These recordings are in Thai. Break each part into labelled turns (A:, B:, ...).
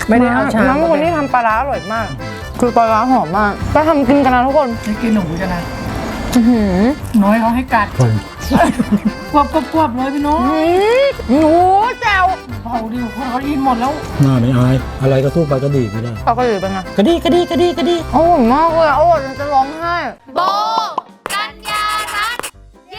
A: ไม่ได้เอาชาม
B: น้ำคนที่ทำปลาร้าอร่อยมาก คือปลาร้าหอมมากไปทำกินกันนะทุกคน
A: ไม่กินหนูกันนะ
C: น้อยเขาให้กัดกวบเลยพี่น้อง
B: หนูแจ่ว
C: เผาดิวเขาอินหมดแล้ว
D: หน้าไม่อายอะไรก็สู้ไปก็ดีไม่ได้
B: เอากระดิ่งเป็นไง
D: กระดีกระดีกระดีกระดี
B: อร่อยมากเลยอร่อยจนจะร้องไห้
E: โบกัญญารัตน์เย้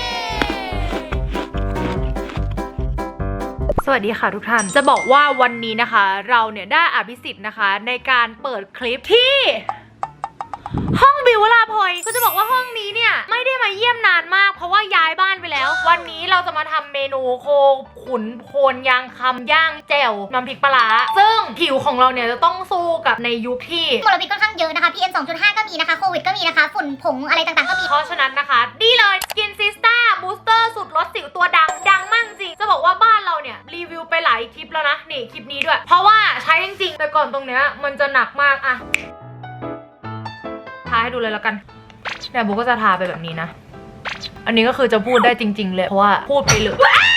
F: สวัสดีค่ะทุกท่าน จะบอกว่าวันนี้นะคะเราเนี่ยได้อภิสิทธิ์นะคะในการเปิดคลิปที่ห้องบิววราพลอยก็จะบอกว่าห้องนี้เนี่ยไม่ได้มาเยี่ยมนานมากเพราะว่าย้ายบ้านไปแล้ว วันนี้เราจะมาทำเมนูโคขุนโพนยางคำย่างแจ่วน้ำพริกปลาร้าซึ่งผิวของเราเนี่ยจะต้องสู้กับในยุคที่
E: มลพิษค่อนข้างเยอะนะคะ PM 2.5 ก็มีนะคะ โควิดก็มีนะคะ ฝุ่นผงอะไรต่างๆก็มี
F: เพราะฉะนั้นนะคะนี่เลย Skin Sista Booster สูตรลดสิวตัวดังมากจริงจะบอกว่าบ้านเราเนี่ยรีวิวไปหลายคลิปแล้วนะนี่คลิปนี้ด้วยเพราะว่าใช้จริงๆแต่ก่อนตรงเนี้ยมันจะหนักมากอะทาให้ดูเลยแล้วกันเนี่ยบุ๊กก็จะทาไปแบบนี้นะอันนี้ก็คือจะพูดได้จริงๆเลยเพราะว่าพูดไปเลย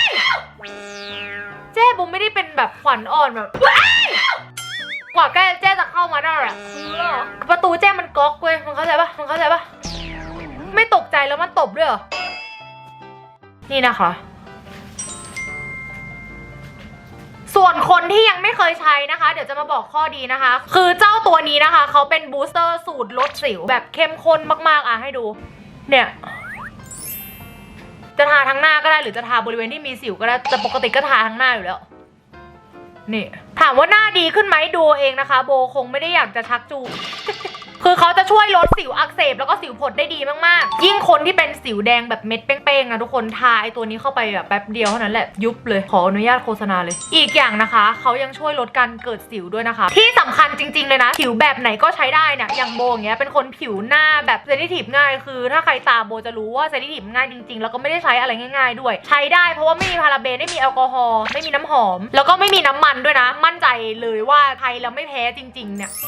F: เจ๊บุ๊กไม่ได้เป็นแบบขวัญอ่อนแบบกว่าเจ๊จะเข้ามาได้อะประตูเจ๊มันก๊อกเว้ยมันเข้าใจปะไม่ตกใจแล้วมันตบด้วยเหรอนี่นะคะส่วนคนที่ยังไม่เคยใช้นะคะเดี๋ยวจะมาบอกข้อดีนะคะคือเจ้าตัวนี้นะคะเขาเป็นบูสเตอร์สูตรลดสิวแบบเข้มข้นมากๆอ่ะให้ดูเนี่ยจะทาทั้งหน้าก็ได้หรือจะทาบริเวณที่มีสิวก็ได้แต่ปกติก็ทาทั้งหน้าอยู่แล้วนี่ถามว่าหน้าดีขึ้นไหมดูเองนะคะโบคงไม่ได้อยากจะชักจูง คือเขาจะช่วยลดสิวอักเสบแล้วก็สิวผดได้ดีมากๆยิ่งคนที่เป็นสิวแดงแบบเม็ดเป้งๆนะทุกคนทาไอตัวนี้เข้าไปแบบแป๊บเดียวเท่านั้นแหละยุบเลยขออนุญาตโฆษณาเลยอีกอย่างนะคะเขายังช่วยลดการเกิดสิวด้วยนะคะที่สำคัญจริงๆเลยนะผิวแบบไหนก็ใช้ได้เนี่ยอย่างโบอย่างเงี้ยเป็นคนผิวหน้าแบบเซนซิทีฟง่ายคือถ้าใครตามโบจะรู้ว่าเซนซิทีฟง่ายจริงๆแล้วก็ไม่ได้ใช้อะไรง่ายๆด้วยใช้ได้เพราะว่าไม่มีพาราเบนไม่มีแอลกอฮอล์ไม่มีน้ำหอมแล้วก็ไม่มีน้ำมันด้วยนะมั่นใจเลยว่าใช้แล้วไม่แพ้จริงๆเนี่ย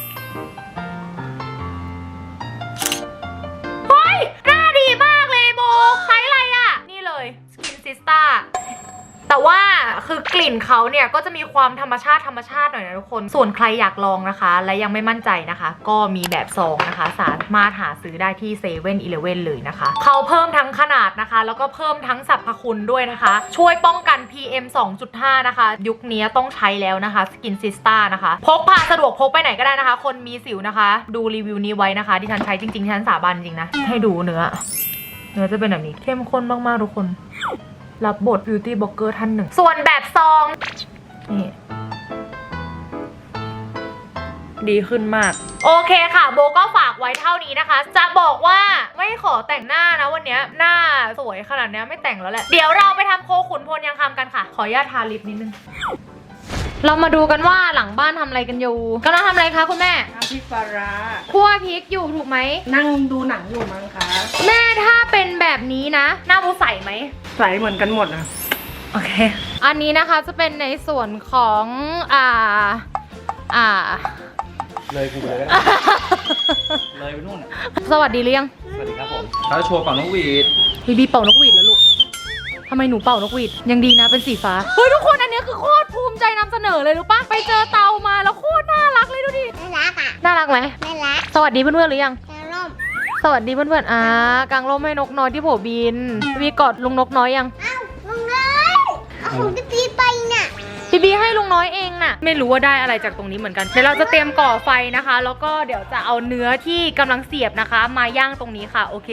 F: หน้าดีมากเลยโบใช้อะไรอ่ะนี่เลย Skin Sista แต่ว่าคือกลิ่นเขาเนี่ยก็จะมีความธรรมชาติหน่อยนะทุกคนส่วนใครอยากลองนะคะและยังไม่มั่นใจนะคะก็มีแบบซองนะคะสามารถหาซื้อได้ที่7-Eleven เลยนะคะเขาเพิ่มทั้งขนาดนะคะแล้วก็เพิ่มทั้งสรรพคุณด้วยนะคะช่วยป้องกัน PM 2.5 นะคะยุคนี้ต้องใช้แล้วนะคะ Skin Sista นะคะพกพาสะดวกพกไปไหนก็ได้นะคะคนมีสิวนะคะดูรีวิวนี้ไว้นะคะที่ฉันใช้จริงๆที่ฉันสาบานจริงนะให้ดูเนื้อจะเป็นแบบนี้เข้มข้นมากๆทุกคนรับบท beauty blogger ท่านหนึ่งส่วนแบบซองนี่ดีขึ้นมากโอเคค่ะโบก็ฝากไว้เท่านี้นะคะจะบอกว่าไม่ขอแต่งหน้านะวันนี้หน้าสวยขนาดนี้ไม่แต่งแล้วแหละเดี๋ยวเราไปทำโคขุนพลยังคำกันค่ะขออนุญาตทาลิปนิดนึงเรามาดูกันว่าหลังบ้านทำอะไรกันอยู่กำลังทำอะไรคะคุณแม่
C: น้ำพริกปลาร้า
F: คั่วพริกอยู่ถูกไหม
C: นั่งดูหนังอยู่มั้งคะ
F: แม่ถ้าเป็นแบบนี้นะหน้าบูใสไหม
C: ใส่เหมือนกันหมดนะ
F: โอเคอันนี้นะคะจะเป็นในส่วนของ
G: เลยกูไปเลยเลยไปนู่น
F: สวัสดีหรือยัง
G: สวัสดีครับผมเขาจะโชว์เป่านกหวีด
F: พี่บีเป่านกหวีดแล้วลูกทำไมหนูเป่านกหวีดยังดีนะเป็นสีฟ้าเฮ้ยทุกคนอันนี้คือโคตรภูมิใจนำเสนอเลยรู้ปะไปเจอเตามาแล้วโคตรน่ารักเลยดูดิ
E: น่ารักอ่ะ
F: น่ารักไหม
E: น่ารัก
F: สวัสดีเพื่อนๆหรือยัง
E: จะร่ม
F: สวัสดีเพื่อนๆกางร่มให้นกน้อยที่โผบินพี่กอดลุงนกน้อยยัง
E: อ้าวลุงเลยเอาของจะตีไปน่ะ
F: พี่บีให้ลุงน้อยเองน่ะไม่รู้ว่าได้อะไรจากตรงนี้เหมือนกันเดี๋ยวเราจะเตรียมก่อไฟนะคะแล้วก็เดี๋ยวจะเอาเนื้อที่กำลังเสียบนะคะมาย่างตรงนี้ค่ะโอเค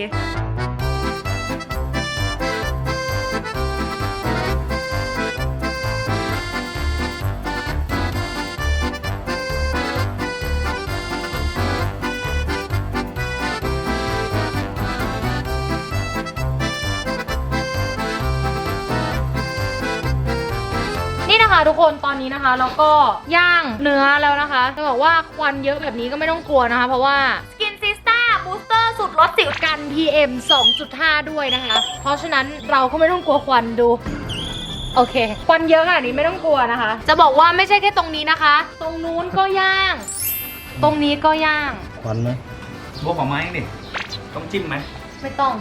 F: นี่นะคะทุกคนตอนนี้นะคะเราก็ย่างเนื้อแล้วนะคะจะบอกว่าควันเยอะแบบนี้ก็ไม่ต้องกลัวนะคะเพราะว่า Skin Sista Booster สูตรลดสิวกัน PM 2.5 ด้วยนะคะเพราะฉะนั้นเราก็ไม่ต้องกลัวควันดูโอเคควันเยอะขนาดนี้ไม่ต้องกลัวนะคะจะบอกว่าไม่ใช่แค่ตรงนี้นะคะตรงนู้นก็ย่างตรงนี้ก็ย่าง
D: ควันไหม
G: บวกของไม้ดิต้องจิ้มไหม
F: ไม่ต้อง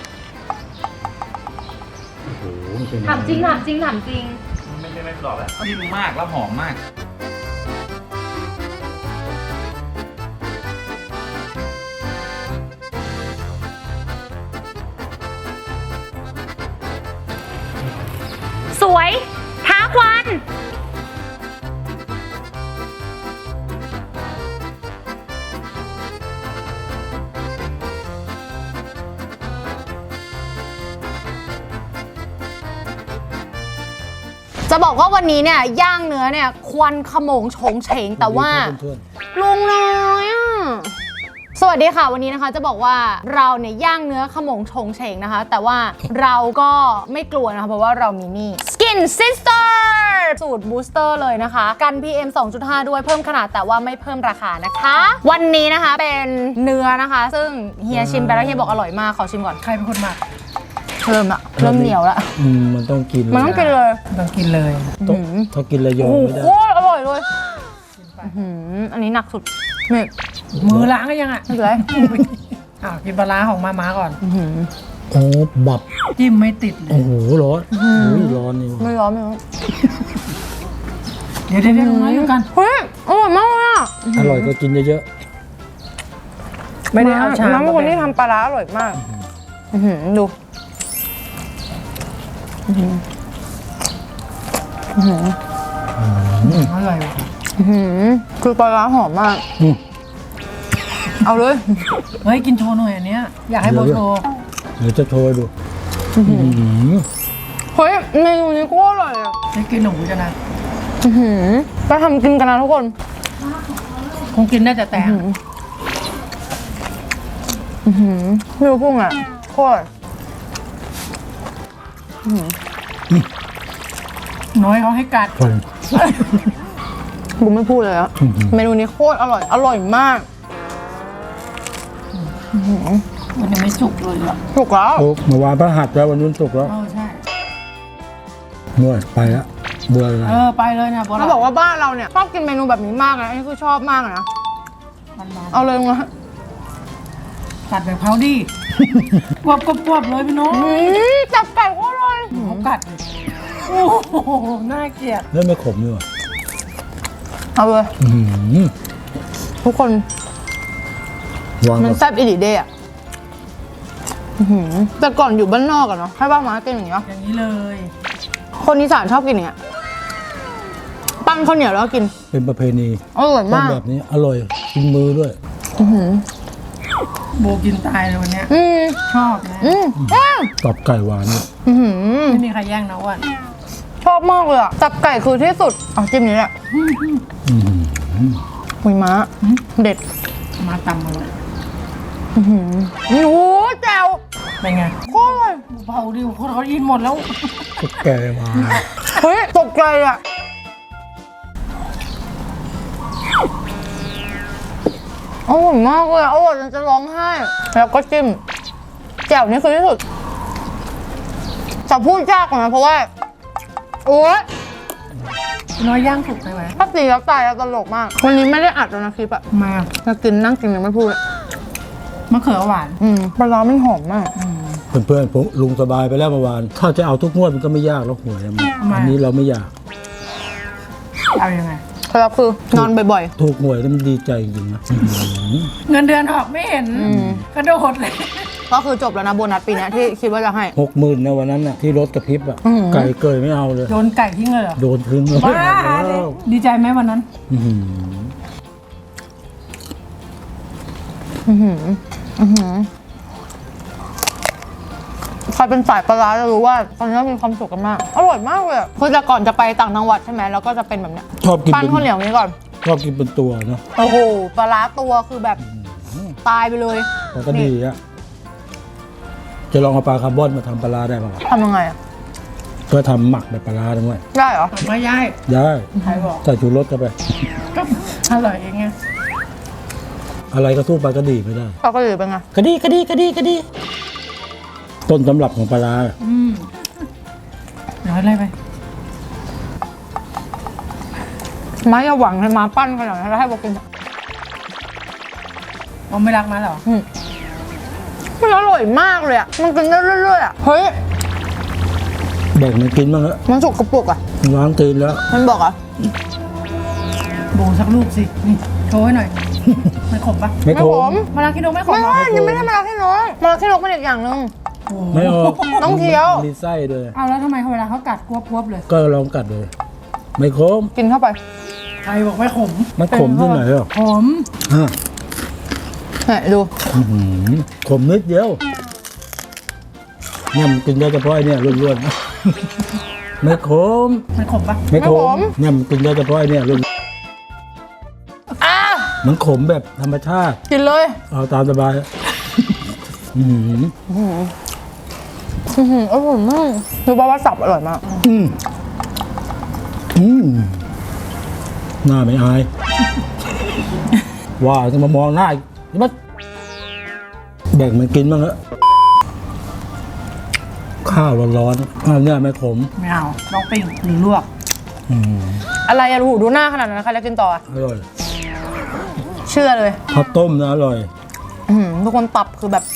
D: โอ้โหมันเป็น
F: ถามจริง
G: ไม่กรอบแล้วจิ้มมากแล้วหอมมาก
F: วยท้าควันจะบอกว่าวันนี้เนี่ยย่างเนื้อเนี่ยควันขโมงโฉงเฉงแต่ว่า
D: เพื่อน
F: ลุงน้อยอ่ะสวัสดีค่ะวันนี้นะคะจะบอกว่าเราเนี่ยย่างเนื้อขโมงโฉงเฉงนะคะ แต่ว่าเราก็ไม่กลัวนะคะเพราะว่าเรามีนี่ Skin Sister สูตรบูสเตอร์เลยนะคะกัน PM 2.5 ด้วยเพิ่มขนาดแต่ว่าไม่เพิ่มราคานะคะ วันนี้นะคะเป็นเนื้อนะคะ ซึ่งเฮียชิมไปแล้วเฮียบอกอร่อยมากขอชิมก่อน
C: ใครเป็นคนหมัก
F: เริ่มเหนียวละ
D: มันต้องกิน
F: มันต้องกินเลย
C: ต้องกินเลย
D: ต้องถ้ากินระยอง
F: โอ้โห
D: ไม่ได้
F: โคตรอร่อยเลยอันนี้หนักสุดนี่
C: มือล้างก็ยังอ่ะ
F: ไม่เป็นไร
C: กินปลาร้าของมาก่อน
D: โอ้บับ
C: จิ้มไม่ติดเล
D: โอ้
C: ย
D: โหร้อนร้อนนี่
F: ไม่ร้อนไม่ร้อน
C: เดี๋ยวน้อยอยู่กัน
F: เฮ้ยอร่อยมากเลยอ่ะ
D: อร่อยก็กินเยอะ
C: ไม่ได้เอาชาม
B: น้ำเป็นคนที่ทำปลาร้าอร่อยมาก
F: ดู
C: อร่อยว่ะ
B: คือปลาร้าหอมมาก
F: เอาเลย
C: เฮ้ยกินโชว์หน่อยอันเนี้ยอยากให้โบโชว์
D: ๆเดี๋ยวจะโชว์ให้ดู
B: เฮ้ยเมนูนี้ก็อร่อยอ่ะ
C: ได้กินหนูจะนะ
B: ไปทำกินกันนะทุกคน
C: คงกินได้แต่
B: ไม่รู้พุ่งอ่ะโคตร
C: น้อยเขาให้กัด
D: คน
B: กูไม่พูดเลยอ่ะเมนูนี้โคตรอร่อย อร่อยมาก
C: มันยังไม่สุกเลยอ่ะ
B: ถูกแล้ว
D: โอ้เมื่อวานพระหัสแล้ววันนี้ศุกร์แล้ว
C: ใช่
D: นวดไปแล้วเบื่ออะไร
C: ไปเลยนะโบ
B: เขาบอกว่าบ้านเราเนี่ยชอบกินเมนูแบบนี้มากนะอันนี้คือชอบมากเลยนะ
C: มัน
B: เอาเลยนะ
C: กัดแบบเขาดิกวบเลยพี่น้อง
B: จับไก่โคตรอร่อย
C: เขากัดเลยโอ้โหน่าเกลียด
D: แล้วไม่ขมด้วย
B: เอาเลย ทุกคน
D: วาง
B: มัน
D: กับ
B: แซ่บอีหลีเดย์อ่ะแต่ก่อนอยู่บ้านนอกอะเนาะให้บ้านมากินอย่างเงี้ย
C: อย่างนี้เลย
B: คนอีสานชอบกินอย่างเงี้ยปั้นข้าวเหนียวแล้วก็กิน
D: เป็นประเพณี
B: อร่อย
D: ต้อง
B: มาก
D: แบบนี้อร่อยกินมือด้วย
C: โบกินตายเลยวันเนี้ยชอบนะ
D: ตอบไก่หวานเนี่ย
C: ไม่มีใครแย่งนะอ้วัน
B: ชอบมากเลยอ่ะจับไก่คือที่สุดเอาจิ้มนี้แหละหุยม้าเด็ด
C: มาตำมาเลย
B: โอ้โหแจ่ว
C: เป็นไง
B: โคตรอร่อย
C: เบาดิคนเขายินหมดแล้ว
D: ก็แก่มา
B: เฮ้ยตกใจอ่ะอร่อยมากเลยอะอร่อยจนจะร้องไห้แล้วก็จิ้มแจ่วนี่คือที่สุดจะพูดยากกว่านะเพราะว่าโอ๊ย
C: น้อยย่างสุกไปไหม
B: ถ้าตีแล้วตายแล้วตลกมากวันนี้ไม่ได้อัดแล้วนะคลิปอะ
C: มา
B: จะกินนั่งกินยังไม่พูดอะ
C: มะเขือหวาน
B: ปลาร้ามันหอมมาก
D: เพื่อนๆผมลุงสบายไปแล้วเมื่อวานถ้าจะเอาทุกงวดมันก็ไม่ยากแล้วหวยมันอันนี้เราไม่อยาก
C: เอายังไง
B: ครับคือนอนบ่อย
D: ถูกหวยแล้วมันดีใจจริงๆนะ
C: เงินเดือนออกไม่เห็นกระโดดเลย
B: ๆ ก็คือจบแล้วนะโบนัสปีเนี้ยที่คิดว่าจะให้
D: 60,000นะวันนั้นน่ะที่รถกระพริบอ่ะไก่เกยไม่เอาเลย
C: โดนไก่ทิ้งเลยเหรอ
D: โดนทิ้งเลย
C: บ้าเลยดีใจไหมวันนั้น
D: อื้อหือ
B: ใครเป็นสายปลาร้าจะรู้ว่าตอนนี้มีความสุขกันมาก อร่อยมากเลยอะคือแต่ก่อนจะไปต่างจังหวัดใช่ไหมแล้วก็จะเป็นแบบเนี้ย
D: ชอบกิน
B: ปั้นข้าวเหนียวนี้ก่อน
D: ชอบกินเป็นตัวเนาะ
B: โอ้โหปลาร้าตัวคือแบบตายไปเลย
D: แต่ก็ดีอ่ะจะลองเอาปลาคาร์บอนมาทำปลาร้าได้ป่ะ
B: ทำยังไงอะ
D: ก็ทำหมักแบบปลาร้าด้วย
B: ได้เหรอ
C: ไม่ย่าย
D: ได้
C: ใครบอก
D: ใส่ชูรสเข้าไป
C: ก็อร่อยเองไง
D: อะไรก็สู้ปลากระดีไม่ได้
B: ปลากระดีเป็นไง
D: กระดีต้นตำรับของปลาร้า
C: น้อยอะไรไป
B: ม้าอย่าหวังให้ม้าปั้นขนาดนั้นแล้วให้บอกกิน
C: มันไม่รักมาเหรอ
B: มันอร่อยมากเลยอะมันกินได้เรื่อยๆอะเฮ้ย
D: แบ่งมันกินบ้างเถอะ
B: มันสุกกระปุกอะ
D: ล้างตีนแล้ว
B: มันบอกอะ
C: โบสักลูกสิ นี่โชว์ให้หน่อย มันขมปะ
D: ไม่
B: ไม่
D: โท
B: ข
D: ร
B: ม
C: มาลาคิโดไม่ขม
B: ไม่
C: เหรอ
B: ใช่ยังไม่ได้มาลาขี้นกมาลาขี้นกเป็นอีกอย่างหนึ่ง
C: โอ้โห
D: ไม่ออก
B: ต้องเคี้ยว
D: มีไส้ด้วย
C: เอาแล้วทำไมเวลาเขากัดกวบๆเลย
D: ก็ลองกัดเลยไม่ขม
B: กินเข้าไป
C: ใครบอกไม่ขม
D: มันขมที่ไหนอ่ะ
C: ขม
D: อ่ะ
B: เนี่ยดู
D: อื้อหือขมนิดเดียวเนี่ยมันกินได้เฉพาะไอ้เนี่ยล้วนๆไม่ขม
C: มันขมปะ
D: ไม่ขมเนี่ยมันกินได้เฉพาะไอ้เนี่ยล้วน
B: อ่ะ
D: มันขมแบบธรรมชาติ
B: กินเลย
D: เอาตามสบายอื้อหือ
B: อร่อยมากดูป่าวว่าสับอร่อยมาก
D: อืมหน้าไม่อาย ว่าจะมามองหน้าอีกมันแบ่งมันกินบ้างเถอะข้าวร้อนๆข้าวเนี่ยไม่ขม
C: ไม่เอาต้องปิ้งหรือลวก
D: อืม
B: อะไรอะหูดูหน้าขนาดนั้นใครจะกินต่ออะ
D: อร่อย
B: เชื่อเลย
D: ข้าวต้มนะอร่อย
B: ทุกคนตับคือแบบ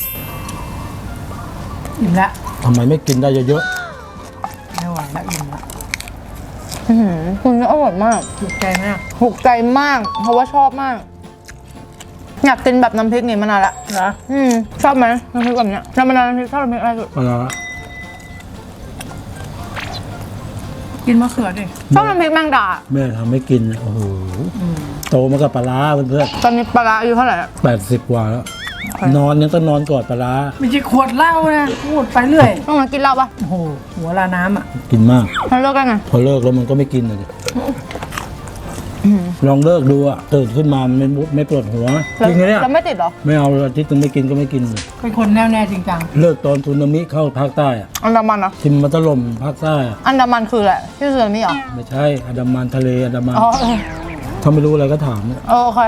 C: อิ่มละ
D: ทำไมไม่กินได้เยอะ
C: ไม่ไหวแล้วอิ่มละ
B: คุณนี่อร่อยมาก
C: ถูกใจไหมอะ
B: ถูกใจมาก เพราะว่าชอบมาก อยากกินแบบน้ำพริกนี่มานานละ
C: เหรอ
B: ชอบไหมน้ำพริกแบบเนี้ยน้ำมันน้ำพริกชอบน้ำพริกอะไรสุด
D: ๆปลาร้า
C: กินมะเขือดิ
B: ชอบน้ำพริกแมงดา
D: แม่ทำไม่กินโอ้โหโตมากับปลาร้าเพื่อน
B: ตอนนี้ปลาร้าอายุเท่าไหร่ละ
D: ๆ80 กว่าแล้ว นอนยังต้องนอนกอดปลาร้า
C: ไม่ใช่ขวดเหล้านะพูดไปเรื่อย
B: ต้องมากินเหล้าปะ
C: โอ้โหหัวลาน้ำอ่ะ
D: กินมาก
B: มันเลิกกันไง
D: พอเลิกแล้วมันก็ไม่กินเลยลองเลิกดูอะตื่นขึ้นมามันไม่ปวดหัวจริงไหมเนี่ย
B: แล้วไม่ติดเหรอ
D: ไม่เอาอาทิตย์นึงไม่กินก็ไม่กินเลย
C: เป็นคนแน่วแน่จริงจัง
D: เลิกตอนสึนามิเข้าภาคใต้อะ
B: อันดามันนะ
D: ทิมมันถล่มภาคใต้อะ
B: อันดามันคืออะไรที่สึนามิเหรอ
D: ไม่ใช่อันดามันทะเลอันดามัน
B: อ๋อเออ
D: ถ้าไม่รู้อะไรก็ถามเนี่ย
B: โอเค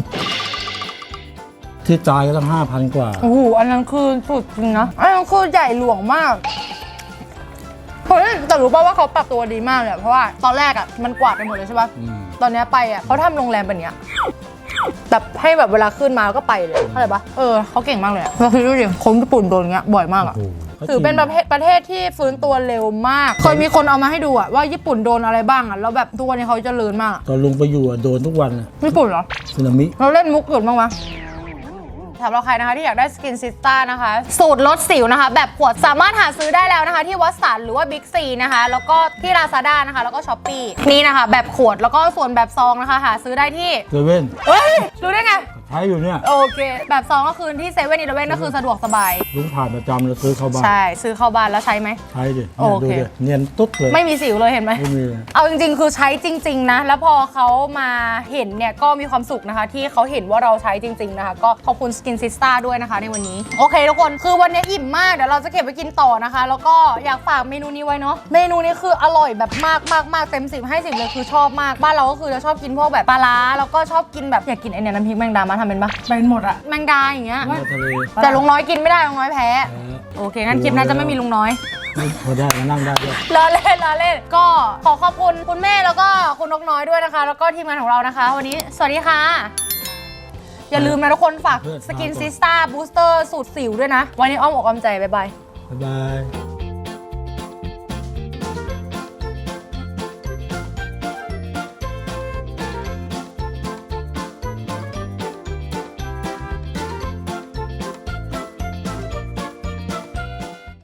D: ที่ตายก็ตั้ง5,000 กว่า
B: โอ้โหอันนั้นคือสุดจริงนะอันนั้นคือใหญ่หลวงมากเฮ้ยแต่รู้ป่าวว่าเขาปรับตัวดีมากเลยอะเพราะว่าตอนแรกอ่ะมันกวาดไปหมดเลยใช่ป่ะ
D: อืม
B: ตอนเนี้ยไปอ่ะเขาทำโรงแรมแบบเนี้ยแบบให้แบบเวลาขึ้นมาก็ไปเลยเข้าใจปะเขาเก่งมากเลยอะเราคิดดูดิคนญี่ปุ่นโดนอย่างเงี้ยบ่อยมากอ่ะ
D: โอ้โห
B: ถือเป็นประเทศที่ฟื้นตัวเร็วมาก เคยมีคนเอามาให้ดูอ่ะว่าญี่ปุ่นโดนอะไรบ้างอ่ะแล้วแบบทุกวันนี้เขาเจริญมากอะ
D: ตอนลงไปอยู่อะโดนทุกวันอะ
B: ญี่ปุ่นเหรอ
D: สึนามิ
B: เราเล่นมุกอื่นบ้างไหมสำหรับใครนะคะที่อยากได้สกินซิสต้านะคะ สูตรลดสิวนะคะ แบบขวดสามารถหาซื้อได้แล้วนะคะ ที่วัดสันหรือว่าบิ๊กซีนะคะ แล้วก็ที่ Lazada นะคะ แล้วก็ช้อปปี้นี่นะคะ แบบขวดแล้วก็ส่วนแบบซองนะคะ หาซื้อได้ที่
D: เซเว่น
B: เฮ้ยรู้ได้ไง
D: ใช้อยู่เนี่ย
B: โอเค แบบซองก็คือที่เซเว่นอีเลฟเว่นก็คือสะดวกสบาย
D: ลุงผ่านประจำแล้วซื้อเข้าบ้าน
B: ใช่ซื้อเข้าบ้านแล้วใช้ไหม
D: ใช้ดิ
B: โอ
D: เนี่ย
B: เค
D: ดูดิเนียนตุ๊ดเลย
B: ไม่มีสิวเลยเห็นไหม
D: ไม่มี
B: เอาจริงๆ คือใช้จริง ๆ นะ แล้วพอเขามาเห็นเนี่ยก็มีความสุขนะคะ ที่เขาเห็นว่าเราใช้จริง ๆ นะคะ ก็ขอบคุณ Skin Sista ด้วยนะคะในวันนี้ โอเคทุกคน คือวันนี้อิ่มมาก เดี๋ยวเราจะเก็บไปกินต่อนะคะ แล้วก็อยากฝากเมนูนี้ไว้เนาะ เมนูนี้คืออร่อยแบบมากเต็ม10ให้10เลยคือชอบมาก บ้านเราก็คือจะชอบกินพวกแบบปลาร้าแล้วก็ชอบกินแบบอยากกินไอเนี่ยน้ำพริกแมงดามาทำเป็นปะ
C: เป็นหมดอ่ะ
B: แมงดาอย่างเงี้ย
D: มาทะเล
B: แต่ลุงน้อยกินไม่ได้ลุงน้อยแพ้ โอเคงั้นคลิปหนั้นจะไม่มีลุงน้อย
D: พอได้มานั่งได้ด้วย
B: ล้อเล่นก็ขอขอบคุณคุณแม่แล้วก็คุณนกน้อยด้วยนะคะ แล้วก็ทีมงานของเรานะคะ วันนี้สวัสดีค่ะ อย่าลืมนะทุกคนฝากสกินซิสต้าบูสเตอร์สูตรสิวด้วยนะ วันนี้อ้อมอกอ้อมใจ บ๊ายบาย
D: บ๊ายบาย